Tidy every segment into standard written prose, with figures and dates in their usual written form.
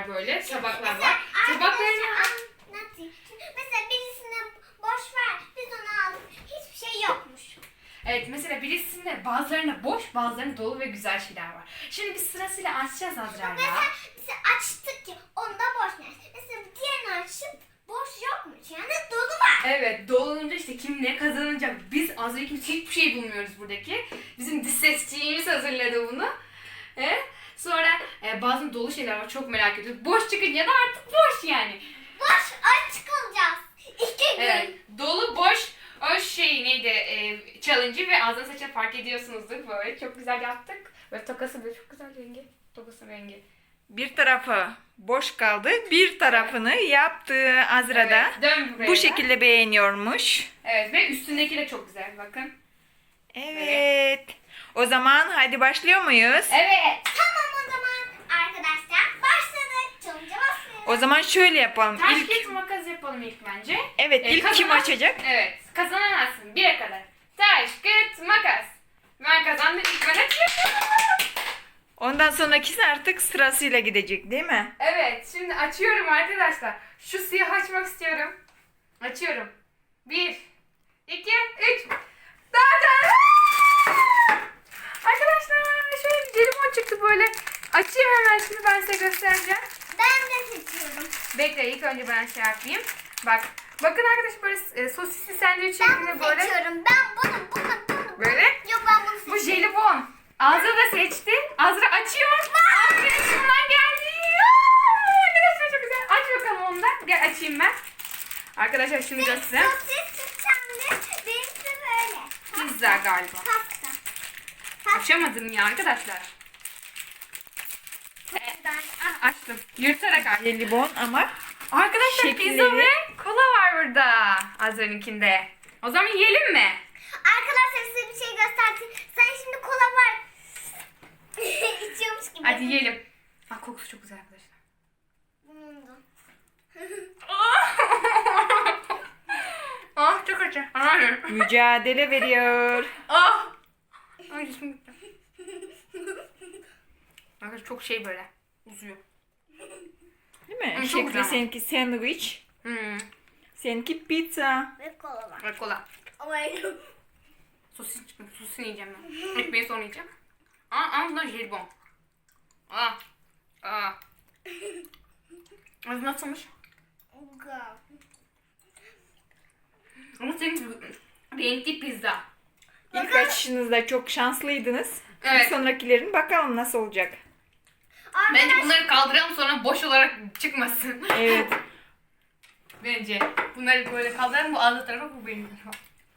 var böyle. Tabaklar var. Tabaklarını... Anlatayım. Mesela birisine boş ver. Biz onu aldık. Hiçbir şey yokmuş. Evet, mesela birisinde bazılarında boş, bazılarında dolu ve güzel şeyler var. Şimdi biz sırasıyla açacağız Azra'yla. Mesela açtık ki onda boş ne? Mesela diğerini açıp boş yokmuş. Yani dolu var. Evet, dolunca işte kim ne kazanacak. Biz Azra'yı hiçbir şey bulmuyoruz buradaki. Bizim dış sesçiğimiz hazırladı bunu. Evet. Sonra bazı dolu şeyler var, çok merak ediyoruz. Boş çıkınca da artık boş yani. Boş aç kalacağız. 2 gün. Evet, dolu boş o şey neydi challenge'ı ve ağzına saçını fark ediyorsunuzdur böyle. Çok güzel yaptık. Ve tokası böyle çok güzel rengi. Tokasının rengi. Bir tarafı boş kaldı. Bir tarafını yaptı Azra'da. Evet, dön buraya Bu da. şekilde beğeniyormuş. Evet ve üstündeki de çok güzel bakın. Evet. O zaman hadi başlıyor muyuz? Evet. Tamam o zaman arkadaşlar başladık. Challenge'a başlayalım. O zaman şöyle yapalım. Taş İlk, kağıt makas yapalım ilk bence. evet, ilk kim açacak? Evet. Kazanan alsın. 1'e kadar. Taş kağıt makas. Ben kazandım. İlk ben açıyorum. Ondan sonrakisi artık sırasıyla gidecek değil mi? Evet. Şimdi açıyorum arkadaşlar. Şu siyah açmak istiyorum. Açıyorum. 1, 2, 3. Zaten. Arkadaşlar şöyle bir jelibon çıktı böyle. Açayım hemen şimdi ben size göstereceğim. Ben de seçiyorum. Bekle ilk önce ben şey yapayım. Bak. Bakın arkadaşlar böyle sosisli sandviç Ben şeklinde bunu böyle. seçiyorum. Ben bunu. Böyle. Yok ben bunu Bu seçiyorum. jelibon. Azra da seçti. Azra açıyor. Azra içinden geldi. Aa, arkadaşlar çok güzel. Aç bakalım onu da. Gel açayım ben. Arkadaşlar şimdi göstereyim. Sosis tutacağım. Benimki böyle. Pizza galiba. Pasta. Açamadım ya arkadaşlar. Ah, açtım. Yırtarak açtım. Jelibon ama Arkadaşlar Şekilleri- pizza ve kola var burada. Azra'nınkinde. O zaman yiyelim mi? Arkadaşlar size bir şey göstereyim. Sen şimdi kola var. İçiyormuş gibi. Hadi yiyelim. Ah, kokusu çok güzel arkadaşlar. Bunun da. Ah çok acı. Hayır. mücadele veriyor. Ah. Ay dişim gitti. Arkadaşlar çok şey böyle uzuyor. Değil mi? Çok Şekli güzel. seninki sandviç. Seninki pizza. Ve kola var. Ve kola. Ama Sosis çıkmış. Sosisini yiyeceğim ben. Ekmeği sonra yiyeceğim. Aa bunlar jelibon. Aa. Aa. Az nasılmış? Ama senin renkli pizza. İlk açışınızda çok şanslıydınız. Evet. Bir sonrakilerin bakalım nasıl olacak. Bence bunları kaldıralım sonra boş olarak çıkmasın. Evet. Bence. Bunları böyle kaldıralım. Bu ağzı tarafı bu benim tarafım.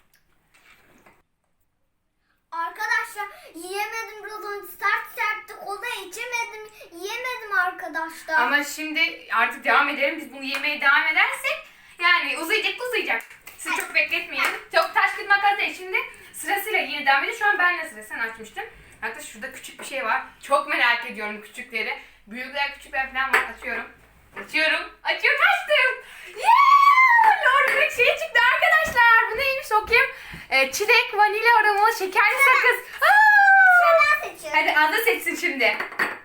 Arkadaşlar yiyemedim biraz önce sertti kola içemedim yiyemedim arkadaşlar. Ama şimdi artık devam edelim. Biz bunu yemeye devam edersek yani uzayacak. Sizi çok bekletmeyelim. Çok taş kırık makas değil. Şimdi sırasıyla yine devam edelim. Şu an benle sıra. Sen açmıştın. Hatta şurada küçük bir şey var. Çok merak ediyorum küçükleri. Büyükler küçükler falan var. Açıyorum. Açıyorum. Açtım. Yeah! Lor bir şey çıktı arkadaşlar. Bu neymiş okuyayım. Çilek, vanilya aromalı şekerli sakız. Ben seçiyorum. Hadi Azra seçsin şimdi.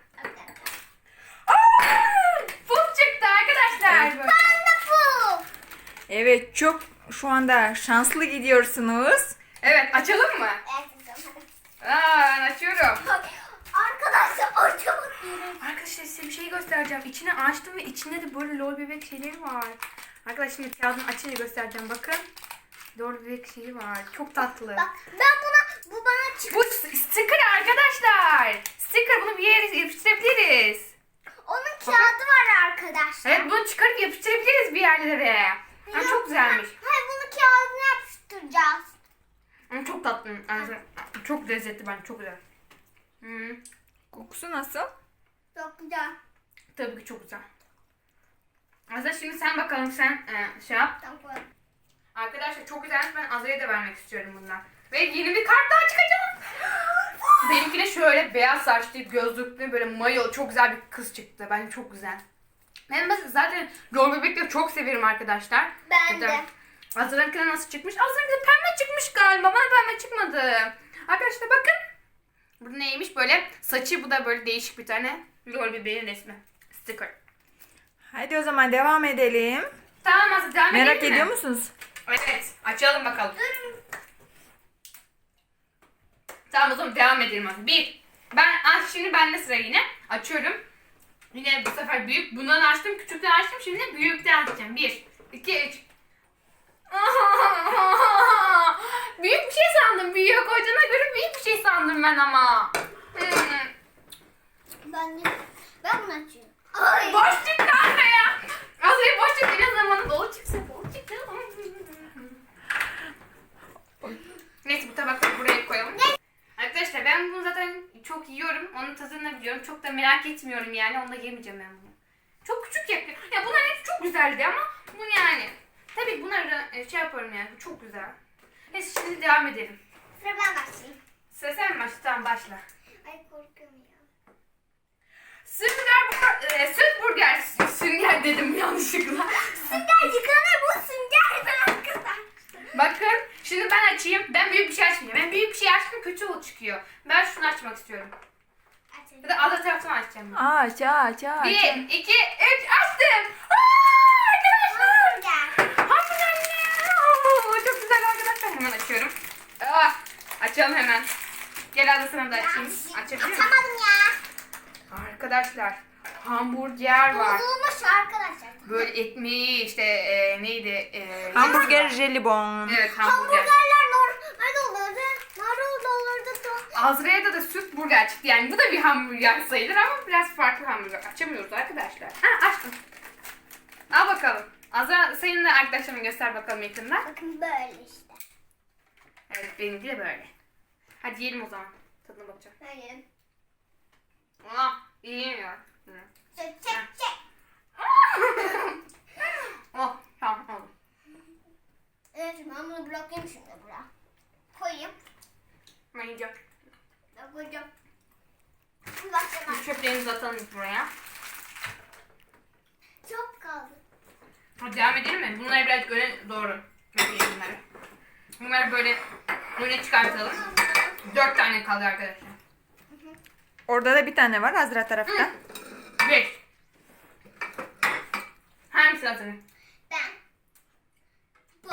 Puf çıktı arkadaşlar. Evet. Böyle. Bu. Evet, çok şu anda şanslı gidiyorsunuz. Evet açalım mı? Ben açıyorum. Arkadaşlar açamadım. Arkadaşlar size bir şey göstereceğim. İçine açtım ve içinde de böyle lol bebek şeyleri var. Arkadaşlar şimdi kağıdını açınca göstereceğim. Bakın. Lol bebek şeyi var. Çok tatlı. Bak ben bu bana çıktı. Bu sticker arkadaşlar. Sticker, bunu bir yere yapıştırabiliriz. Onun kağıdı var arkadaşlar. Evet, bunu çıkarıp yapıştırabiliriz bir yerlere. Ha, çok güzelmiş. Hayır bunu kağıdına yapıştıracağız. Ama çok tatlı. Yani çok lezzetli bence. Çok güzel. Kokusu nasıl? Çok güzel. Tabii ki çok güzel. Azra şimdi sen bakalım sen şey yap. Tamam. Arkadaşlar çok güzelmiş. Ben Azra'ya da vermek istiyorum bundan. Ve yeni bir kart daha çıkacak. Benimkine şöyle beyaz saçlı, gözlüklü, böyle mayo çok güzel bir kız çıktı. Bence çok güzel. Ben zaten lol bebekleri çok severim arkadaşlar. Ben de. Azra'nınkine nasıl çıkmış? Azra'nınkine pembe çıkmış galiba. Bana pembe çıkmadı. Arkadaşlar bakın. Bu neymiş böyle? Saçı bu da böyle değişik bir tane lol bebeğin resmi. Sticker. Hadi o zaman devam edelim. Tamam Azra devam edelim Merak mi? ediyor musunuz? Evet. Açalım bakalım. Tamam o zaman devam edelim Azra. Şimdi bende sıra yine. Açıyorum. Yine bu sefer büyük. Bundan açtım. Küçükten açtım. Şimdi büyükten açacağım. 1, 2, 3. Büyük bir şey sandım. Büyüğe koyduğuna göre büyük bir şey sandım ben ama. Ben bunu açıyorum. Ay. Boş çıktı anne ya. Azra'ya boş çıktı. Ne zamanı dolu çıksa dolu çıktı. Neyse bu tabakları buraya koyalım. Arkadaşlar ben bunu zaten çok yiyorum. Onun tadını biliyorum. Çok da merak etmiyorum yani. Onu da yemeyeceğim ben bunu. Çok küçük yapıyor. Ya bunlar hepsi çok güzeldi ama bu yani. Tabii bunları şey yaparım yani. Bu çok güzel. Neyse şimdi devam edelim. Sıra ben başlayayım. Sıra sen mi başla? Tamam başla. Ay korkuyorum ya. Süt burger. Sünger dedim yanlışlıkla. Sünger yıkanır bu sünger arkadaşlar. Bakın şimdi ben açayım. Ben büyük bir şey açmayacağım. Ben büyük bir şey açtım kötü çıkıyor. Ben şunu açmak istiyorum. Açayım. Ya da alt taraftan açacağım. Ben. Aç. 1, 2, 3 açtım. Arkadaşlar. Sünger. Hamburger. Çok güzel arkadaşlar. Hemen açıyorum. Açalım hemen. Gel Azra sana da açayım. Açabilir miyim? Açamadım ya. Arkadaşlar hamburger var. Bozulmuş arkadaşlar. Böyle ekmeği işte neydi? Hamburger jelibon. Evet hamburger. Hamburgerler normal olurdu. Marul olurdu. Azra'ya da süt burger çıktı. Yani bu da bir hamburger sayılır ama biraz farklı hamburger. Açamıyoruz arkadaşlar. Açtım. Al bakalım. Azra senin de arkadaşlarına göster bakalım yakında. Bakın böyle işte. Evet benimki de böyle. Hadi yiyelim o zaman. Tadına bakacağım. Böyle. İyi ya. Çek çek çek. Tamam oldu. Evet ben bunu bırakayım şimdi buraya. Koyayım. Ben yiyeceğim. Ben koyacağım. Bir bakacağım. Çöplerimizi atalım buraya. Çok kaldı. Hadi devam edelim mi? Bunları biraz öne doğru götürelim bunları. Bunları böyle öne çıkartalım. 4 tane kaldı arkadaşlar. Orada da bir tane var Azra tarafta. 5. Hangisi hazırım? Ben. Bu.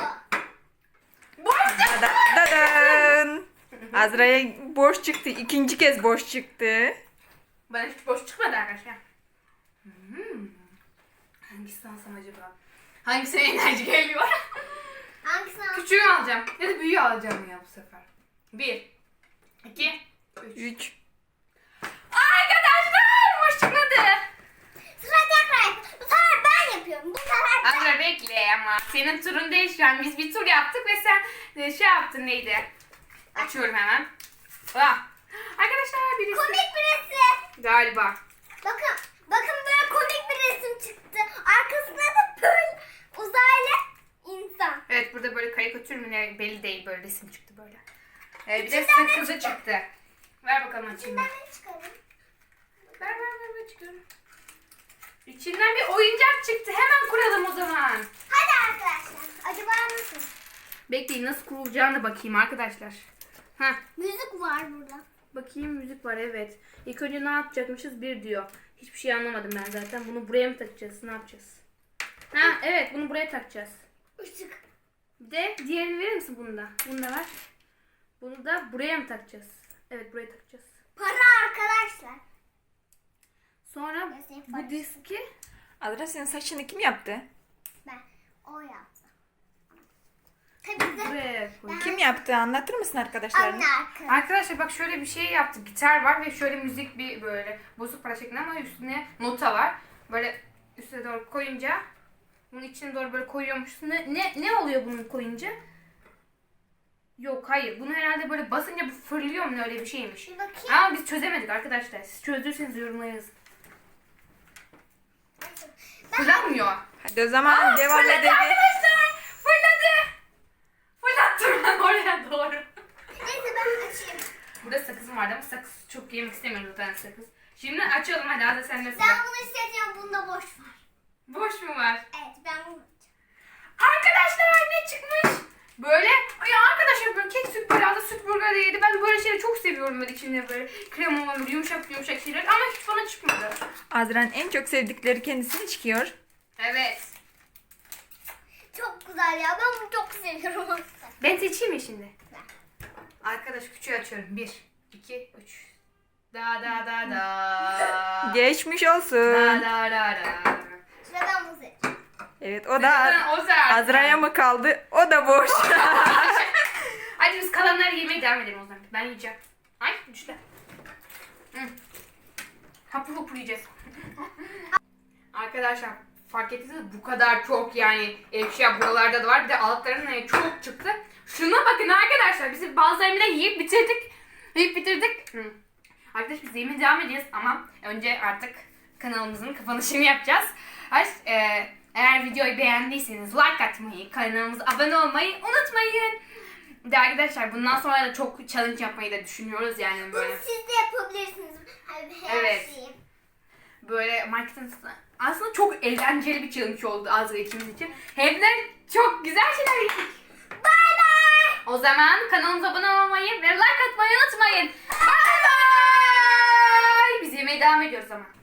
Dadan. Azra'ya boş çıktı. İkinci kez boş çıktı. Bana hiç boş çıkmadı arkadaşlar. Hangisi alsam acaba? Hangisine enerji geliyor? Hangisini al? Küçüğü alacağım. Ya da büyüğü alacağım ya bu sefer. 1, 2, 3. 3. Arkadaşlar boş çıkmadı. Sıra tekrar yap. Bu sefer ben yapıyorum. Bu sefer ben. Azra bekle ama. Senin turun değil şu an. Biz bir tur yaptık ve sen şey yaptın neydi? Açıyorum hemen. Arkadaşlar birisi. Komik bir resim. Galiba. Bakın. Bakın böyle komik bir resim çıktı. Arkasında da böyle uzaylı insan. Evet burada böyle karikatür mü ne belli değil böyle resim çıktı böyle. Bir de İçinden ne sakızı çıktı. Ver bakalım açayım. Ben ne çıkarayım? Ver çıkıyorum. İçinden bir oyuncak çıktı. Hemen kuralım o zaman. Hadi arkadaşlar. Acaba nasıl? Bekleyin nasıl kurulacağını bakayım arkadaşlar. Heh. Müzik var burada. Bakayım müzik var evet. İlk önce ne yapacakmışız? Bir diyor. Hiçbir şey anlamadım ben zaten. Bunu buraya mı takacağız? Ne yapacağız? Evet bunu buraya takacağız. Işık. Bir de diğerini verir misin bunu da? Bunu da ver. Bunu da buraya mı takacağız? Evet buraya takacağız. Para arkadaşlar. Sonra Mesela bu parası. diski Azra senin saçını kim yaptı? Ben. O yaptı. Tabii de buraya koy. Kim yaptı? Anlatır mısın arkadaşlarına? anne arkadaş. Arkadaşlar bak şöyle bir şey yaptık. Gitar var ve şöyle müzik bir böyle bozuk para şeklinde ama üstüne nota var. Böyle üstüne doğru koyunca bunun içine doğru böyle koyuyormuşsun. Ne oluyor bunu koyunca? Yok hayır. Bunu herhalde böyle basınca bu fırlıyor mu ne öyle bir şeymiş. Bir bakayım. Ama biz çözemedik arkadaşlar. Siz çözdürseniz yorumlara yazın. Fırlanmıyor. Hadi o zaman devam Fırladı edelim. arkadaşlar. Fırladı. Fırlattım ben oraya doğru. Neyse ben açayım. Burada sakızım vardı ama sakız çok yemek istemiyorum zaten sakız. Şimdi açalım hadi Azra sen de sıra. Ben bunu isteyeceğim. Bunda boş var. Boş mu var? Evet ben bunu Arkadaşlar ne çıkmış? Böyle ya arkadaşlar böyle kek süt böyle süt burger de yedi. Ben böyle şeyleri çok seviyorum böyle içinde böyle krema böyle yumuşak şeyler ama hiç bana çıkmadı. Azra'nın en çok sevdikleri kendisine çıkıyor. Evet. Çok güzel ya. Ben bunu çok seviyorum. Ben seçeyim mi şimdi? Arkadaş küçüğü açıyorum. 1, 2, 3. Da da da da. Geçmiş Da olsun. da da da. Sıradan bu seç. Evet o da O zaten. Azra'ya mı kaldı? O da boş. Hadi biz kalanları yemeye devam edelim o zaman. Ben yiyeceğim. Ay düştü. Hı. Hapur hapur yiyeceğiz. Arkadaşlar fark ettiniz mi? Bu kadar çok yani eşya buralarda da var. Bir de altlarının çok çıktı. Şuna bakın arkadaşlar. Biz bazılarını yiyip bitirdik. Yiyip bitirdik. Hı. Arkadaşlar biz yemeye devam edeceğiz ama önce artık kanalımızın kapanışını yapacağız. Eğer videoyu beğendiyseniz like atmayı, kanalımıza abone olmayı unutmayın. Bir de arkadaşlar bundan sonra da çok challenge yapmayı da düşünüyoruz yani Bunu böyle. siz de yapabilirsiniz. Her Evet. şeyi. Böyle marketin aslında çok eğlenceli bir challenge oldu Azra ikimiz için. Hem de çok güzel şeyler yedik. Bay bay. O zaman kanalımıza abone olmayı ve like atmayı unutmayın. Bye bye. Biz yemeye devam ediyoruz ama.